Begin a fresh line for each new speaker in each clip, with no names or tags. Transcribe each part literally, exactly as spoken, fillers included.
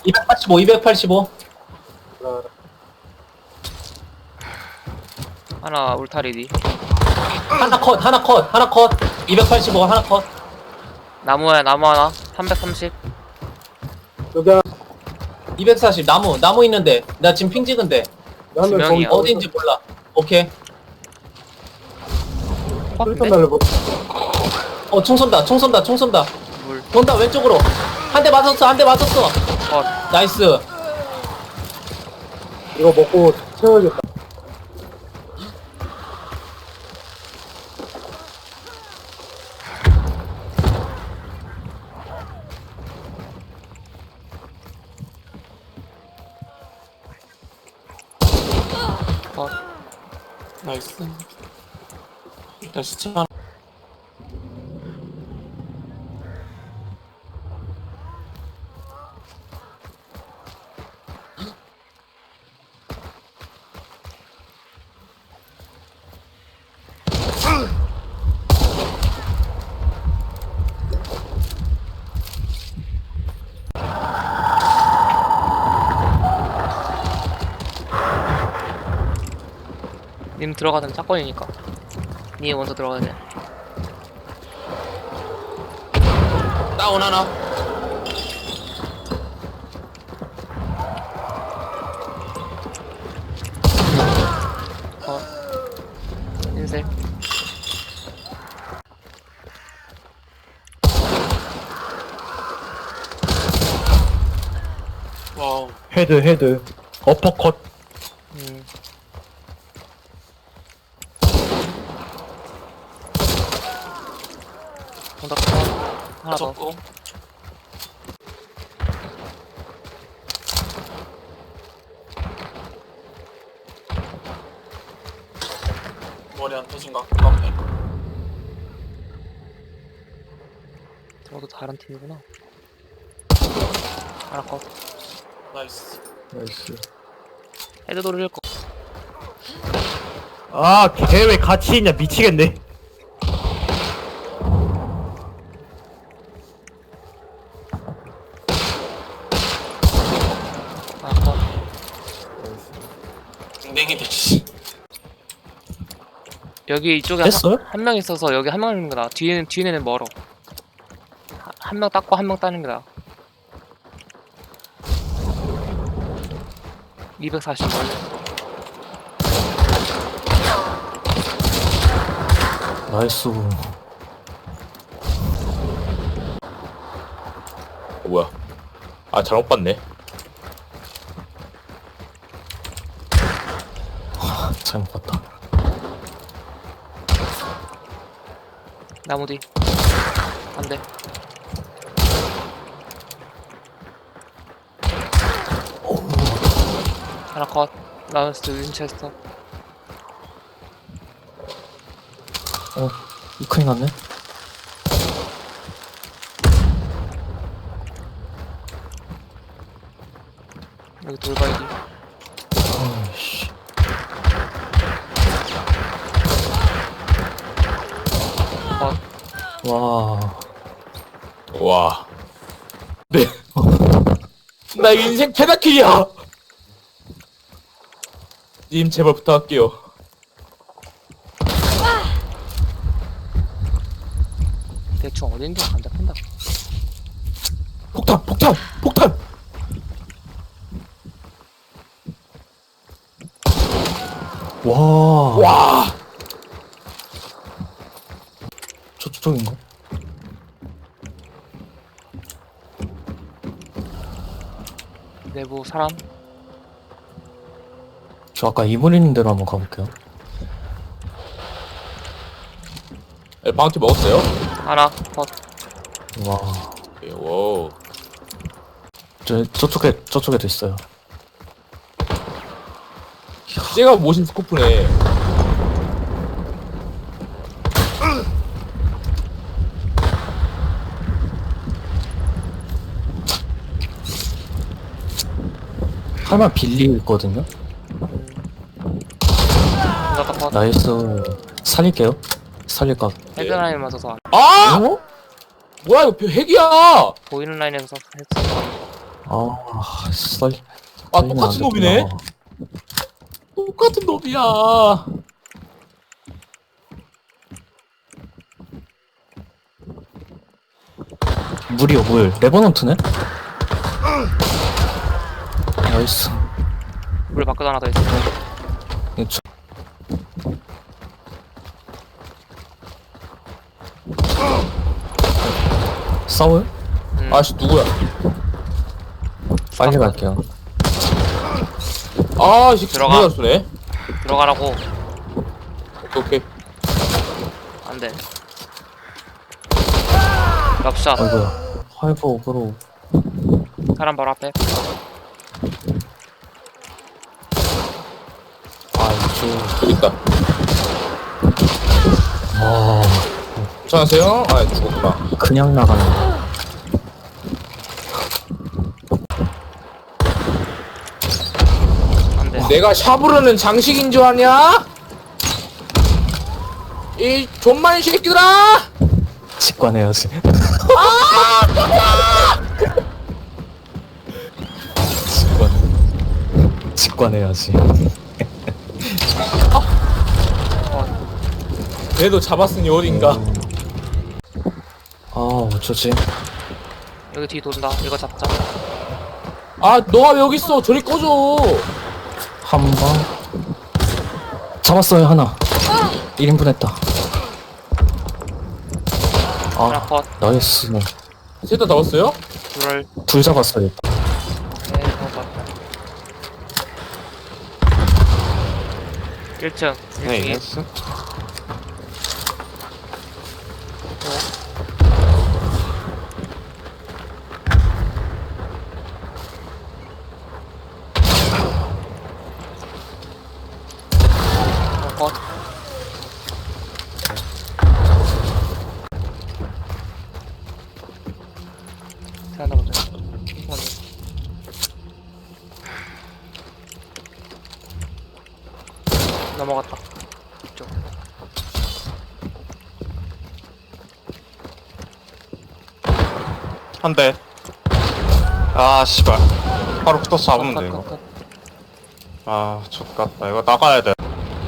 이백팔십오, 이백팔십오.
하나 울타리디.
하나 컷, 하나 컷, 하나 컷. 이백팔십오, 하나 컷.
나무야 나무 하나. 삼백삼십.
여기 한
이백사십, 나무, 나무 있는데. 나 지금 핑 찍은데.
명
명이야.
어딘지 몰라. 오케이.
일단 날려보.
어, 총 쏜다, 총 쏜다, 총 쏜다.
물.
돈다, 왼쪽으로. 한 대 맞았어, 한 대 맞았어.
컷.
나이스.
이거 먹고 채워야겠다.
컷.
나이스. 일단 시체 하나.
님 들어가던 사건이니까. 니 먼저 들어가야 돼.
다운 하나.
컷. 인셀.
와우.
헤드 헤드 어퍼컷.
음. 정답 컷. 하나 더.
접고. 머리 안 터진 것 같고 앞에.
저도 다른 팀이구나. 하나 컷.
나이스.
나이스.
헤드 돌릴 거.
아, 걔 왜 같이 있냐, 미치겠네.
하나 컷.
댕댕이들 씨.
여기 이쪽에
됐어요?
한 명 있어서 여기 한 명 있는 거다. 뒤에는 뒤에는 멀어. 한 명 닦고 한 명 따는 거다. 이백사십 멀리.
나이스.
어, 뭐야? 아 잘못 봤네.
잘못 봤다.
나무 뒤. 안 돼. 하나 컷. 라운스트 윈체스터.
어, 이 큰일 났네.
여기 돌발기.
아이씨.
컷.
와.
와. 네. 나 인생 페다킬이야. 님 제발 부탁할게요.
대충 어딘지 안 잡힌다.
폭탄, 폭탄, 폭탄.
와.
와.
저, 저쪽인가?
내부 사람.
저 아까 이분 있는 대로 한번 가볼게요.
네, 바운티 먹었어요?
하나 컷.
와.
예, 오.
저, 저쪽에, 저쪽에도 있어요.
제가 모신 스코프네.
할만 빌리 있거든요?
정답 컷.
나이스. 살릴게요. 살릴까?
헤드 라인 맞아서 안-
아!
어?
뭐야 이거 핵이야!
보이는 라인에서 했어.
아, 썰.
아,
썰리면
똑같은
안 됐구나.
놈이네? 똑같은 놈이야.
물이요, 물. 레버넌트네? 나이스.
물 밖에 하나 더 있어.
이 저- 싸워요?
음,
아씨, 누구야?
빨리 갈게요.
아, 이 새끼
들어가.
누가 쏘네?
들어가라고.
오케이, 오케이.
안돼. 럽샷.
아이고야. 화이브 오브로.
사람 바로 앞에.
아, 이쪽.
여기 있다.
아,
괜찮으세요? 아, 죽었구나.
그냥 나가네.
안돼.
내가 샤브르는 장식인 줄 아냐? 이 존만 새끼들아!
직관해야지. 직관. 직관해야지.
그래도 잡았으니 어딘가.
아, 어쩌지?
여기 뒤 돈다. 이거 잡자.
아, 너가 왜 여기 있어? 저리 꺼줘.
한 방. 잡았어요, 하나. 일 인분 했다.
하나
아,
컷.
나이스.
셋 다 잡았어요?
둘을.
둘 잡았어요.
네, 먹어. 일 층.
네,
일 층에.
했어.
컷. 하나 먼저. 먼저. 넘어갔다. 이쪽.
한 대. 아, 씨발. 바로 붙어서 잡으면 돼, 이거.
컷, 컷, 컷.
아, 족같다. 이거 나가야 돼.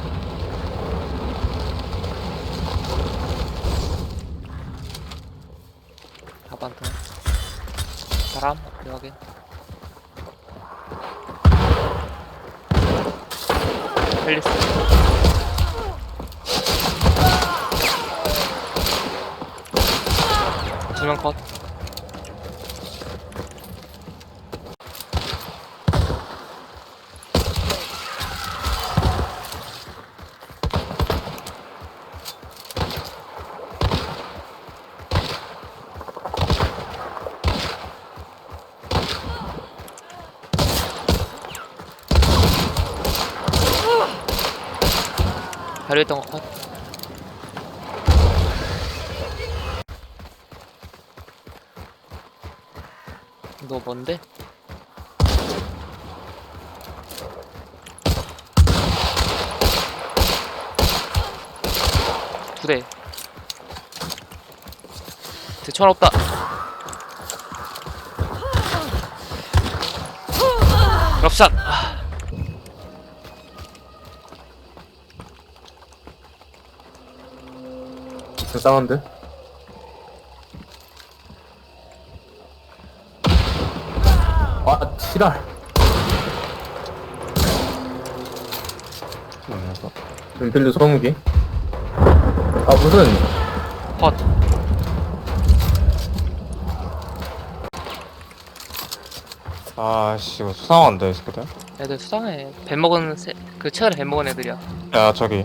아반트. 바람. 여기. 헬리스. 두명 컷. 발효했던 거 컷. 너 뭔데? 두 대. 대천 없다. 럽샷. 아,
불쌍한데? 아, 지랄. 은필드 소무기. 아, 무슨.
컷.
아, 씨, 이거 수상한데, 이 새끼들.
애들 수상해. 배 먹은 새, 그 최근에 배 먹은 애들이야.
야, 저기.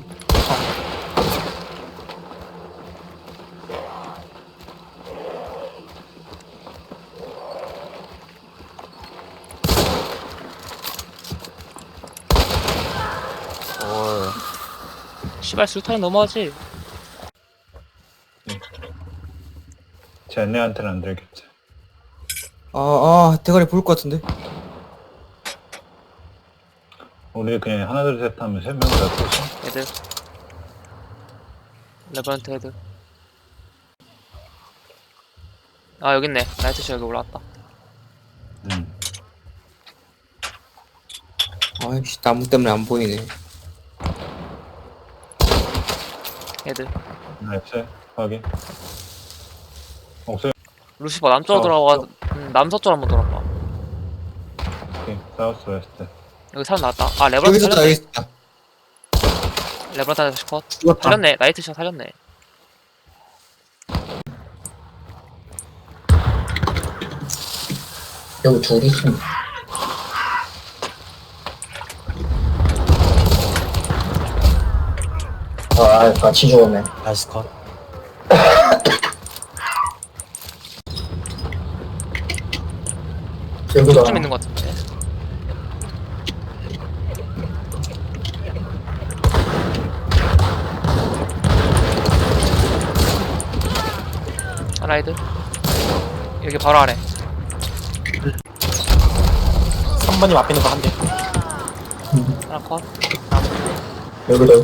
올.
씨발 술탄이 넘어가지.
쟤네한테는 안 들겠지.
아, 아, 대가리 보일 것 같은데.
우리 그냥 하나 둘 셋 하면 세 명 다 쏘지.
애들. 레버런트 애들. 아 여기 있네. 나이트쇼 여기 올라왔다.
응.
아이씨 나무 때문에 안 보이네.
헤드.
나이스. 확인. 옥수수.
루시퍼 남쪽으로 돌아가. 음, 남서쪽 한번 돌아봐.
오케이. 사우스 웨스트.
여기 사람 나왔다. 아
여기
레브란타
있었다 여기
살렸네.
있었다.
레브란타 컷.
죽었다.
살렸네. 나이트샷 살렸네.
여기 둘 있습니다. 아, 같이 죽었네.
나이스 컷.
여기다.
좀 있는 것 같은데. 라이드. 여기 바로 아래.
삼 번님 앞에 있는 거 한 대.
하나 컷.
여기도.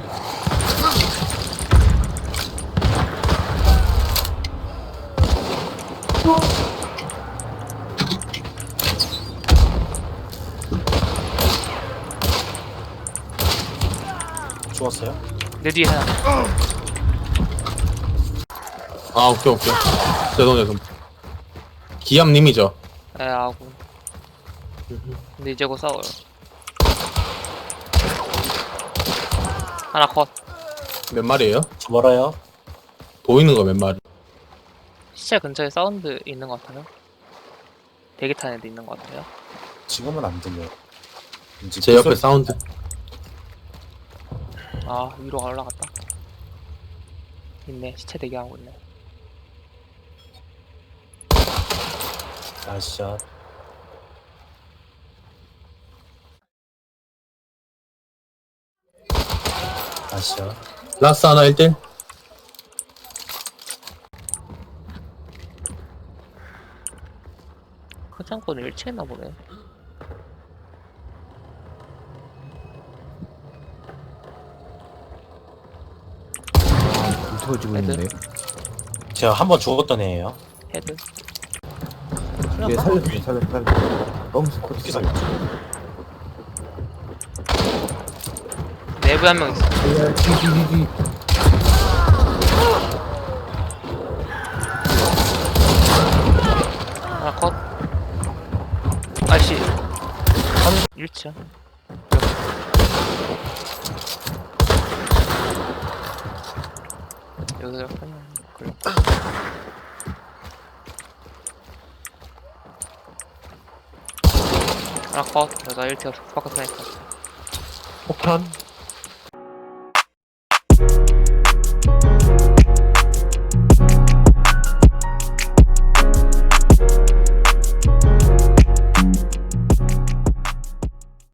죽었어요?
내 뒤에 하나.
아 오케이 오케이. 죄송 죄송. 기암님이죠.
에 아군. 근데 이제 곧 싸워요. 하나 컷.
몇 마리예요?
저 멀어요?
보이는 거 몇 마리?
시체 근처에 사운드 있는 것 같아요. 대기 타는 애도 있는 것 같아요.
지금은 안 들려요.
제 옆에 사운드.
아 위로 올라갔다. 있네. 시체 대기하고 있네.
나이스 샷. 나이스 샷.
라스 하나 일 대.
크장권을 일치했나 보네.
터지고
있는데?
제가 한 번 죽었던 애예요.
헤드.
얘 살렸어 살렸어 살렸어. 너무 스쿼트.
어떻게 살렸지?
내부에 한 명 있어.
뒤뒤뒤.
하나 컷. 아이씨. 한 일치야. 여기서 약간 걸려. 하나 컷. 여자 일 티어 바깥 스나이퍼.
폭탄.